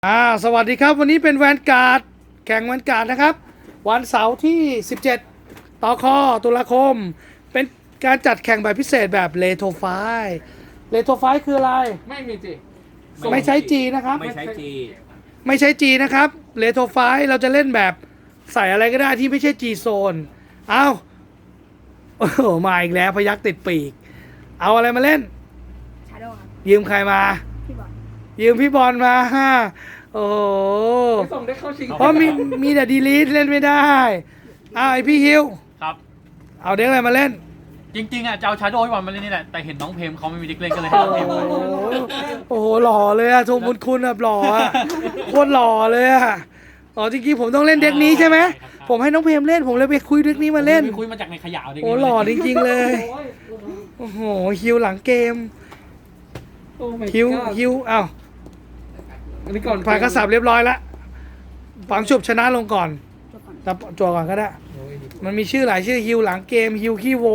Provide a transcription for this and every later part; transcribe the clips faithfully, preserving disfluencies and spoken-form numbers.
อ่าสวัสดีครับวันนี้เป็นแวนการ์ดแข่งแวนการ์ดนะครับวันเสาร์ที่สิบเจ็ดต่อคอตุลาคมเป็นการจัดแข่งแบบพิเศษแบบเลโทไฟเลโทไฟคืออะไรไม่มีจีไม่ใช้จีนะครับไม่ใช้จีไม่ใช้จีนะครับเลโทไฟเราจะเล่นแบบใส่อะไรก็ได้ที่ไม่ใช่จีโซนเอาโอ้โหมาอีกแล้วพยักติดปีกเอาอะไรมาเล่นชาโดว์ครับยืมใครมาพี่บอลยืมพี่บอลมาฮะโอ้โหไม่ส่งได้เข้าชิงเพราะมีมีแต่ดีลีทเล่นไม่ได้อ้าวไอพี่ฮิวครับเอาเด็กอะไรมาเล่นจริงๆอ่ะจะเอาชาโดว์ให้วันมาเล่นนี่แหละแต่เห็นน้องเพมเขาไม่มีเด็กเล่นก็เลยให้น้องเพมโอ้ไปโหโอ้โหหล่อเลยอะทรงบุญคุณแบบหล่ออะโคตรหล่อเลยอะอ๋อจริงๆผมต้องเล่นเด็กนี้ใช่ไหมผมให้น้องเพมเล่นผมเลยไปคุยเด็กนี้มาเล่นไปคุยมาจากในขยะเด็กโอ้หล่อจริงๆเลยโอ้โหฮิวหลังเกมโอ้ my ฮิว god ฮิวอ้าวอันนี้ก่อนผ่านกระสับเรียบร้อยแล้วฝังฉุบชนะลงก่อนจบก่อนจับจั่วก่อนก็ได้โอ้ยมันมีชื่อหลายชื่อฮิวหลังเกมฮิวขี้โว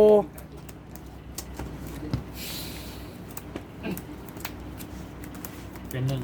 เป็นหนึ่ง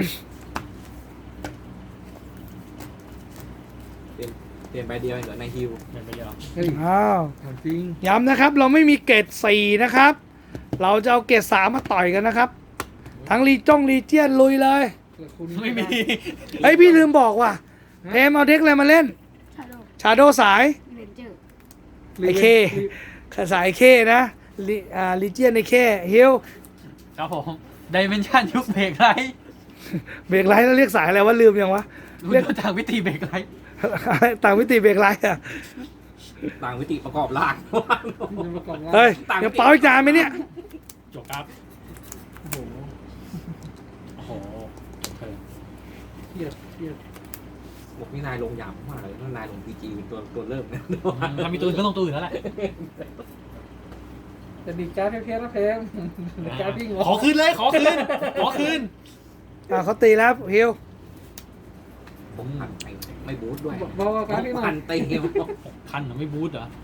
เปลี่ยนเปลี่ยนใบเดียวเองเหรอในฮิวเป็นไปเยอะเฮ้ยอ้าวถามจริงย้ำนะครับเราไม่มีเกรดสี่นะครับ เราจะเอาเกรดสามมาต่อยกันนะครับ ทั้งลีจ้องลีเจียนลุยเลยแต่คุณไม่มีเฮ้ยพี่ลืมบอกว่ะเพมเอาเด็กอะไรมาเล่นชาโดว์ชาโดสายเรนเจอร์ไอเคสายเคนะลีอ่าลีเจียนไอเคฮิวครับผมดิเมนชันยุคเบรกไรเบรกไลท์แล้วเรียกสายอะไรวะลืมยังวะรู้เรียกจากวิธีเบรกไรต่างวิติเบรกไลท์อ่ะต่างวิติประกอบร่างจะประกอบว่าเฮ้ยเดี๋ยวเป่าอีกจานไหมเนี่ยจบครับโอ้โหโอ้โหเออเครียดเครียดบอกนี่นายลงหยาบมากเลยนั่นนายลงพีจีเป็นตัวตัวเริ่มนะถ้ามีตัวอื่นก็ต้องตัวอื่นแล้วแหละแต่ดีการ์ดเพี้ยนๆนะเพมดีการ์ดวิ่งเหรอขอคืนเลยขอคืนขอคืนอ่าเขาตีแล้วฮิวผมหันไปไม่บูทด้วยบอกว่าการ์ดวิ่งหน่อหัยนตีคันเหรอไม่บูทเหรอ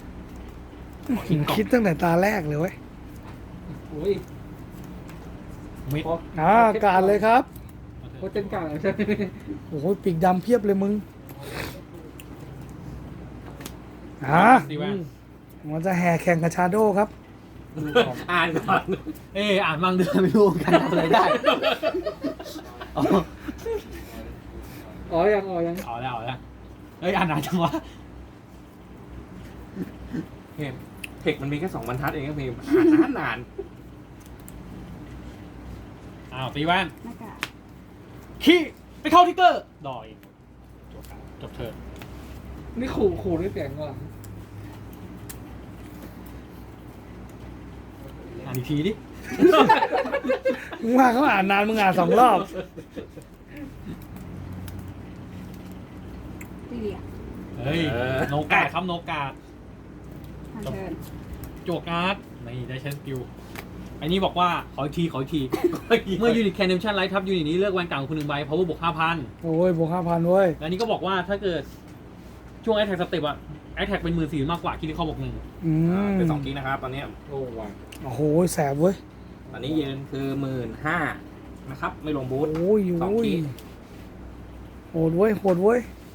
คิดตั้งแต่ตาแรกเลยเว้ยโอ้ยมิดพออ่าการเลยครับโคเจนกลางใช่ไหมโอ้โหปีกดำเพียบเลยมึงอ่าตีแว่นมันจะแห่แข่งกับชาโดครับอ่านก่อนเอ้ยอ่านบางเดือนไม่รู้กันทำอะไรได้อ๋ออ๋อยังอ๋อยังเอาแล้วเอาแล้วเอ้ยอ่านนานจังวะเพมเทคมันมีแค่สองบรรทัดเองครับเพมอ่านนานนานอ้าวตีแว่นหน้ากากขี้ไปเข้าทิกเกอร์ดอยจบครับจบเทิร์นนี่ขู่ขู่ด้วยเสียงก่อนอ่านอีกทีดิมึงว่าเขาอ่านนานมึงอ่านสองรอบตีเดียเฮ้ยโนกาดครับโนกาดทางเชิญโจกอาร์ตนี่ได้ใช้สกิลอันนี้บอกว่าขออีกทีขออีกที เมื่อยูนิตแคนเนชั่นไลท์ทับยูนิตนี้เลือกแวนกลางคนหนึ่งใบ power บวกห้าพันโอ้ยบวกห้าพันเว้ยและนี้ก็บอกว่าถ้าเกิดช่วงแอ t แทกสเต็ปอะแอ t แทกเป็นหมื่นสี่มากกว่าคิดที่ข้อบวกหนึ่งอืมเป็นสองกิ๊กนะครับตอนนี้โอ้ว่ะโอ้โหแสบเว้ยตอนนี้ยืนคือหมื่นห้านะครับ ไม่ลงบูทโอ้ยสองโอ้ยขีดโหดเว้ยโหดเว้ย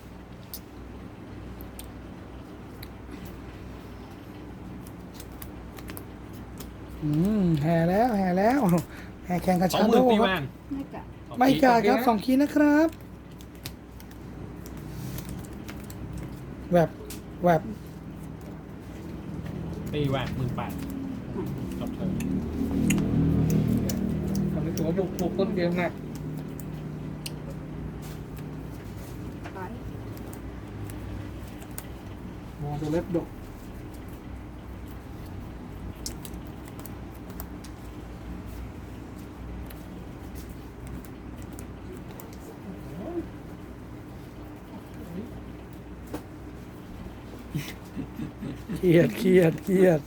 อืมแห่แล้วแห่แล้วแห่แข่งกับสองชาหโดมื่นตีคแวรับนหน้ากากไม่กล้าครับสองคีย์นะครับแบบแบบตีแวนหมื่นแปดจบเทิร์นทำให้ตัวบุกบุกต้นเกมหนักไปมองตัวเล็บดกเครียดเครียดเครียด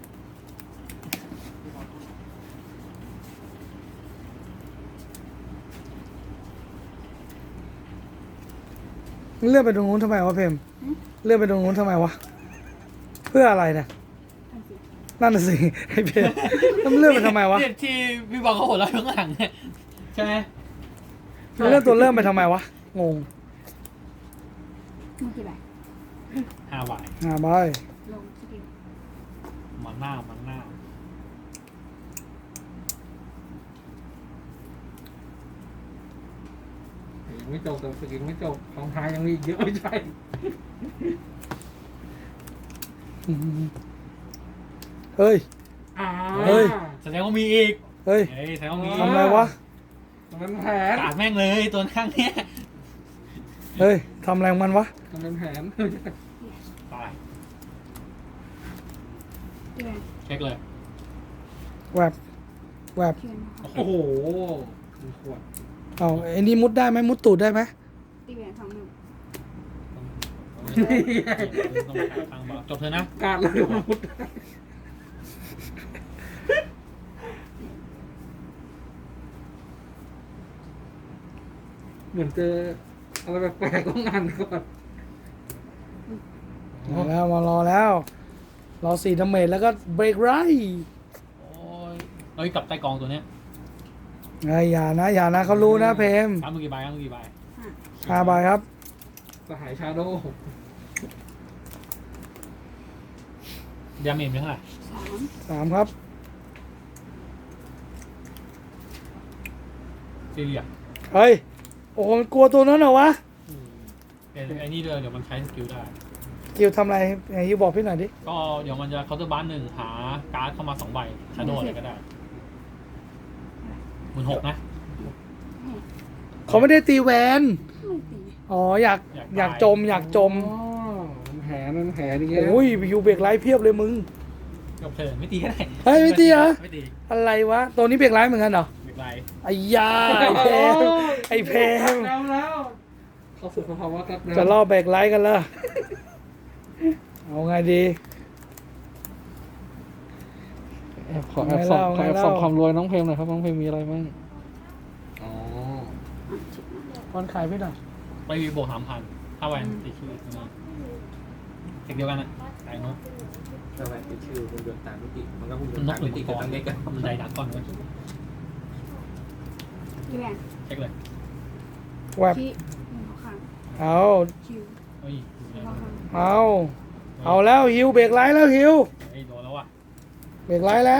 เลื่อนไปตรงนู้นทำไมวะเพมเลื่อนไปตรงนู้นทำไมวะเพื่ออะไรนะทางสีนั่นน่ะสิไอ้เพมแล้วมันเลื่อนไปทำไมวะเนี่ยที่พี่บอลเขาหัวเราะข้างหลังเนี่ยใช่ไหมเริ่มตัวเริ่มไปทำไมวะ งงมือกี่ใบห้าใบอ่าบายลงสกิลมันหน้ามันหน้ายังไม่จบแต่สกิลไม่จบของท้ายยังมีอีกเยอะไม่ใช่เฮ้ยอ่าเฮ้ยแสดงว่ามีอีกเฮ้ยเฮ้ยแสดงว่ามีทำอะไรวะมันเป็นแผนกาดแม่งเลยตัวข้างเนี้ยเฮ้ยทำอะไรของมันวะมันเป็นแผนตายตีแวนเช็คเลยแวบแวบเทียนนะคะโอ้โหมีขวดเอาไอ้นี่มุดได้ไหมมุดตูดได้ไหมตีแวนสองหนึ่งต้องไปทางบอกจบเถอะนะการเลยมุดเหมือนเจออะไรแปลกๆต้องงานก่อนมาแล้วมารอแล้ว รอสี่ดาเมจแล้วก็เบรกไรโอ้ยเอ้ยกับใต้กองตัวเนี้ยไอ้ยอย่านะอย่านะเขารู้นะเพมครับมือกี่ใบครับมือกี่ใบห้าใบครับสหายชาโดว์ดาเมจเป็นเท่าไหร่สามสามครับซีเรียเฮ้ย โอ้โหมันกลัวตัวนั้นเหรอวะเดี๋ยวไอ้นี่ด้วยเดี๋ยวมันใช้สกิลได้กิวทำอะไรไอ้ยูบอกพี่หน่อยดิก็เดี๋ยวมันจะเคาน์เตอร์บัสหนึ่งหาการ์ดเข้ามาสองใบชาโดอะไรก็ได้หมื่นหกนะเขาไม่ได้ตีแวนไม่ตีอ๋ออยากอยากจมอยากจมอ๋อมันแผนมันแผนอย่างเงี้ยโอ้ยยูเบรกไรเพียบเลยมึงจบเถอะไม่ตีก็ได้เฮ้ยไม่ตีเหรอไม่ตีอะไรวะ ตัวนี้เบรกไรเหมือนกันเหรอไม่เป็นไรไอ้ยาไอ้เพมไอ้เพมแล้วแล้วเข้าสู่สภาวะกัดแล้วจะล่อเบรกไรกันละเอาไงดีแอบขอแอบส่องขอแอบส่องความรวยน้องเพลงหน่อยครับน้องเพลงมีอะไรบ้างอ๋อคอนขายพี่หน่อยไปวีบวกสามพันถ้าแวนติดชื่อนี่เทคเดียวกันนะแต่นกถ้าแวนเป็นชื่อคุณยนต์ตามมิติมันก็คุณยนนต์กตามหรือมิติมัก็งกรต้องเล็กกันมันใจดักก่อนเว้ยตีแวนเช็คเลยแวบขี้หนึ่งข้างเอาคิวเฮ้ยหนึ่งข้างเอาเอาแล้วฮิวเบรกไรแล้วฮิวเฮ้ยโดนแล้วว่ะเบรกไรแล้ว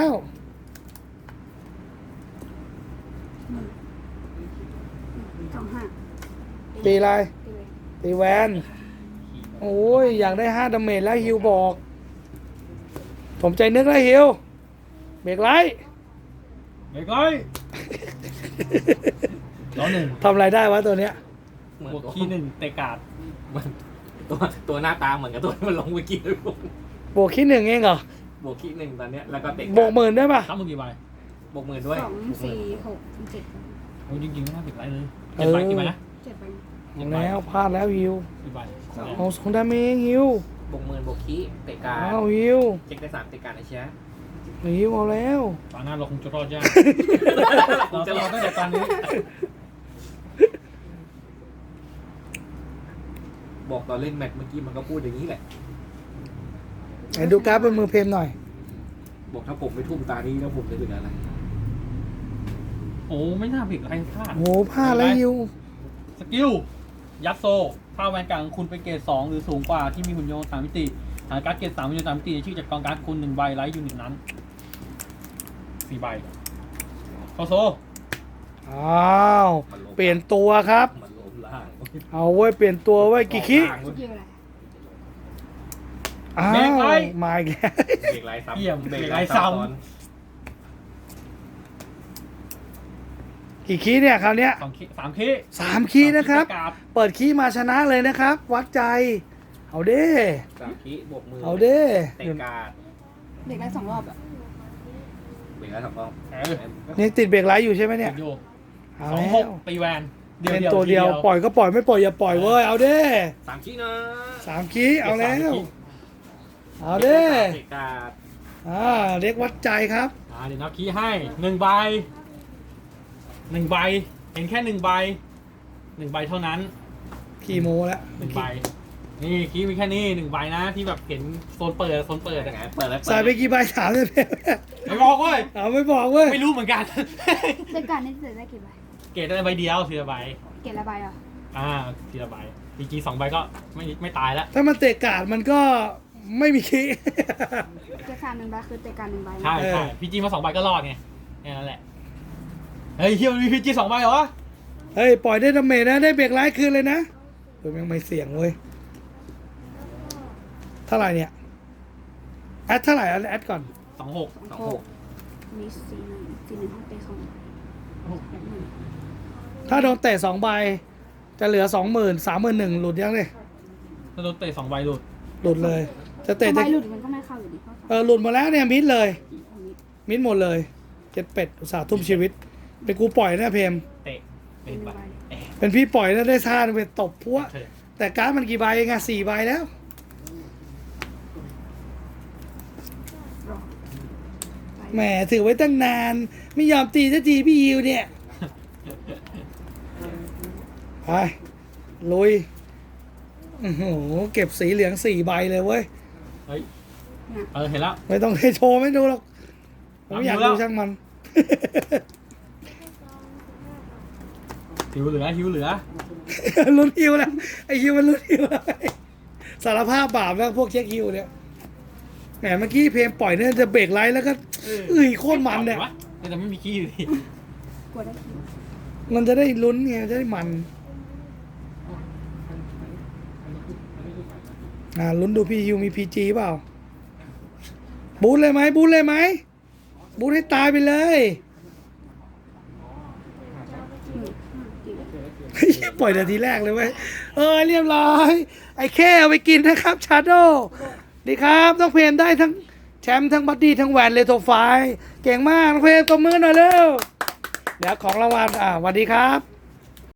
หนึ่งสองห้าตีอะไรตีแวนตีแวนโอ้ยอยากได้ห้าดาเมจแล้วฮิวบอก ผมใจนึกแล้วฮิวเบรกไรเบรกเลยล้อหนึ่งทำอะไรได้วะตัวเนี้ยเหมือนบวกตัวคีย์หนึ่งเตะการ์ดเหมือนตัวตัวหน้าตาเหมือนกับตัวที่มันลงเมื่อกี้เลยผมบวกขี้หนึ่งเองเหรอบวกคิดหนึ่งตอนเนี้ยแล้วก็เตะบวกหมื่นได้ปะครับมือกี่ใบบวกหมื่นด้วยสองสี่หกเจ็ดโอ้ยจริงๆไม่น่าเบรกไรเลยเจ็ดใบกี่ใบนะเจ็ดใบเอาแล้วพลาดแล้วฮิวกี่ใบเอาสองดาเมจฮิวบวกหมื่นบวกคิเตะการเอาฮิวเช็คได้สามเตะการไอ้เชี่ยฮิวเอาแล้วตอนหน้าเราคงจะรอดยากเราจะรอตั้งแต่ตอนนี้บอกตอนเล่นแมตช์เมื่อกี้มันก็พูดอย่างนี้แหละไหนดูกราฟเป็นมือเพมหน่อยบอกถ้าผมไม่ทุ่มตานี้แล้วผมจะเป็นอะไรโอ้ไม่น่าเบรกไรพลาดโอ้โหพลาดแล้วฮิวสกิลยัดโซถ้าแวนกลางคุณเป็นเกรดสองหรือสูงกว่าที่มีหุ่นยนต์สามมิติหาการ์ดเกรดสามหุ่นยนต์สามมิติในชื่อจากกองการ์ดคุณหนึ่งใบไลท์ยูนิตนั้นสี่ใบเข้าโซอ้าวเปลี่ยนตัวครับมันล้มล่างเอาเว้ยเปลี่ยนตัวเว้ยกี่ขี้สกิลอะไรอ้าวมาอีกแล้วเบรกไลท์ซ้ำเยี่ยมเบรกไรซ้ซ้อนกี่ขี้เนี่ยคราวเนี้ยำสองคีสามคีสามขี้นะครับสามเปิดขี้มาชนะเลยนะครับ วัดใจ เอาเด้สามคิบวกมือเอาเด้เตะการ์ดเด็กได้สองรอบอ่ะเบรกไลท์สองรอบเออนี่ติดเบรกไลท์อยู่ใช่ไหมเนี่ยอยู่เอาสองแล้หกวตีแวนเดียวเป็นเดียวตัวเดียวทีปล่อยก็ปล่อยไม่ปล่อยอย่าปล่อยเว้ยเอาเด้สามคินะสามขี้เอาแล้วคีเอาเด้เตะการ์ดอ่าเรียกวัดใจครับอ่าเดี๋ยวนับคีย์ให้หนึ่งใบหนึ่งใบเห็นแค่หนึ่งใบหนึ่งใบเท่านั้นขี่โมแล้วหนึ่งใบนี่คีย์มีแค่นี้หนึ่งใบนะที่แบบเห็นโซนเปิดโซนเปิดยังอะไงเปิดแล้วใส่ไปกี่ใบถามเลยไม่บอกเว้ยเอาไม่บอกเว้ยไม่รู้เหมือนกันเด็กการนี่จะได้กี่ใบเกตได้ใบเดียวทีละใบเกรดละใบอ่ะอ่าทีละใบพีจีสองใบก็ไม่ไม่ตายแล้วถ้ามันเตะการ์ดมันก็ไม่มีคีเกรดสามหนึ่งใบคือเตะการหนึ่งใบนะใช่เออใช่พีจีมาสองใบก็รอดไงแค่นั้นแหละเฮ้ยเฮียมันมีพีจีสองใบเหรอวะเฮ้ย ปล่อยได้ดาเมจนะ ได้เบรกไลท์คืนเลยนะเฮ้ยยังไม่เสี่ยงเว้ย เท่าไหร่เนี่ย แอดเท่าไหร่แอดก่อนสองหกสองสองหหกกมีสี่หนึ่งสี่หนึ่งห้องเตะสองหกหนึ่งถ้าโดนเตะสองใบ จะเหลือสองหมื่นสามหมื่นหนึ่งหลุดยังเลยถ้าโดนเตะสองใบหลุดหลุดเลย จะสอเตะงใบจะหลุดมันก็ไม่เข้าอยู่ดีเพราะเออหลุดหมดแล้วเนี่ยมิดเลยอันนี้มิดหมดเลยเจ็ดเป็ดอุตส่าห์ทุ่มชีวิต เป็นกูปล่อยนะเพมเตะเป็เป็นนหนึ่ใบงใบเอ๊ะเป็นพี่ปล่อยแล้วได้ท่าไปตบพัวเธอแต่การ์ดมันกี่ใบเองอะสี่ใบแล้วรอไปแหมถือไว้ตั้งนาน ไม่ยอมตีสักทีพี่ยิวเนี่ย ไป ลุยโอ้โหเก็บสีเหลืองสี่ใบเลยเว้ยเฮ้ยเออเห็นแล้วไม่ต้องให้โชว์ไม่ดูหรอก ผมอยากเอาดูดูแล้วช่างมันหิวเหลือหิวเหลือลุ้นฮิวแล้วไอฮิวมันลุ้นฮิวแล้วสารภาพบาปแล้วพวกเช็คฮิวเนี่ยแหมเมื่อกี้เพลงปล่อยเนี่ยจะเบรกไลท์แล้วก็เออเอ้ยโคตรมันเนี่ยวะแต่ไม่มีขี้อยู่ดีกลัวได้คิวมันจะได้ลุ้นไงจะได้มันอ่าลุ้นดูพี่ฮิวมีพีจีเปล่าบูทเลยไหมบูทเลยไหมบูทให้ตายไปเลยหนึ่งห้ากี่เฮ้ยปล่อยนาทีแรกเลยเว้ยเออเรียบร้อย ไอ้แค่เอาไปกินนะครับชาโดดีครับต้องเพลมได้ทั้งแชมป์ทั้งบัดดี้ทั้งแหวนเลโทไฟล์เก่งมากน้องเพลมตบมือหน่อยเร็วเดี๋ยวของรางวัลอ่าสวัสดีครับ